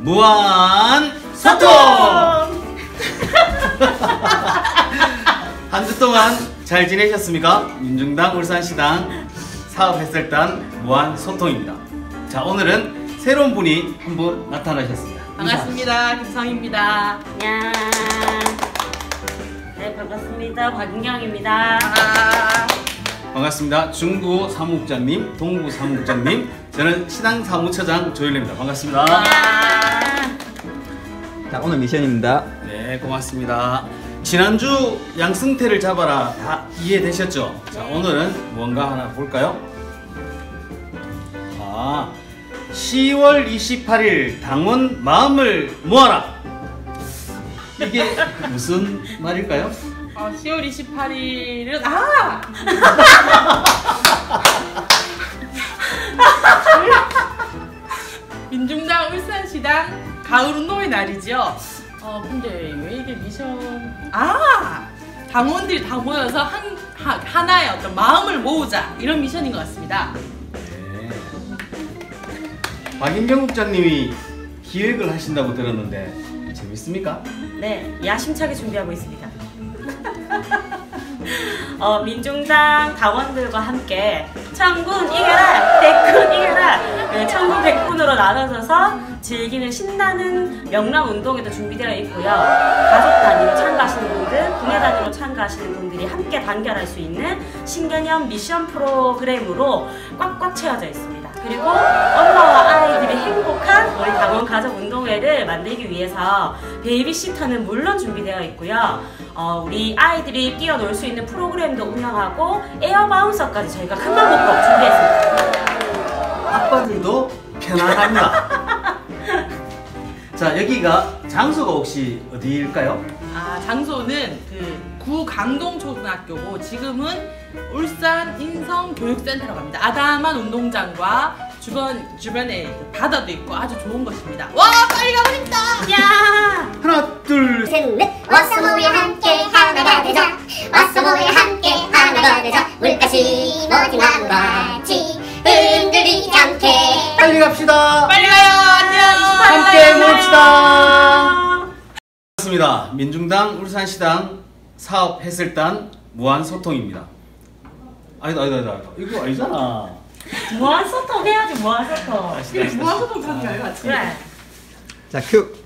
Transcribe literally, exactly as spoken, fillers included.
무한 소통! 한 주 동안 잘 지내셨습니까? 민중당 울산시당 사업햇살단 무한 소통입니다. 자, 오늘은 새로운 분이 한 분 나타나셨습니다. 반갑습니다. 김성희입니다. 안녕. 네, 반갑습니다. 박은경입니다. 아 반갑습니다. 중구 사무국장님, 동구 사무국장님, 저는 시당 사무처장 조일래입니다. 반갑습니다. 자, 오늘 미션입니다. 네, 고맙습니다. 지난주 양승태를 잡아라 다 이해되셨죠? 자, 오늘은 뭔가 하나 볼까요? 아, 시월 이십팔일 당원 마음을 모아라. 이게 무슨 말일까요? 어, 시월 이십팔일은 아! 민중당 울산시당 가을운동의 날이죠. 어 근데 왜 이게 미션? 아! 당원들이 다 모여서 한 하, 하나의 어떤 마음을 모으자 이런 미션인 것 같습니다. 네. 박인경 국장님이 기획을 하신다고 들었는데 재밌습니까? 네, 야심차게 준비하고 있습니다. 어, 민중당 당원들과 함께 천군 이겨라, 백군 이겨라, 네, 천군 백군으로 나눠져서 즐기는 신나는 명랑운동에도 준비되어 있고요. 가족 단위로 참가하시는 분들, 분야 단위로 참가하시는 분들이 함께 단결할 수 있는 신개념 미션 프로그램으로 꽉꽉 채워져 있습니다. 그리고 엄마와 아이들이 행복한 우리 당원 가족 운동회를 만들기 위해서 베이비시터는 물론 준비되어 있고요. 어, 우리 아이들이 뛰어놀 수 있는 프로그램도 운영하고 에어바운서까지 저희가 큰맘 먹고 준비했습니다. 아빠들도 편안합니다. 자, 여기가 장소가 혹시 어디일까요? 아 장소는 그 구강동초등학교고 지금은 울산 인성교육센터라고 합니다. 아담한 운동장과 주변, 주변에 바다도 있고 아주 좋은 것입니다. 와 빨리 가고 싶다! 야! 하나, 둘, 셋. 셋, 넷. 왔어 모여 함께 하나가 되자. 왔어 모여 함께 하나가 되자. 물가시 머지만 같이 흔들리지 않게. 빨리 갑시다. 빨리 가요! 안녕! 함께 모읍시다. 반갑습니다. 민중당 울산시당 사업햇살단 무한소통입니다. 아니다 아니다 아니다 이거 아니잖아. 무한소통 해야지, 무한소통. 이게 무한소통 하는 게 아니라 그래. 자, 큐.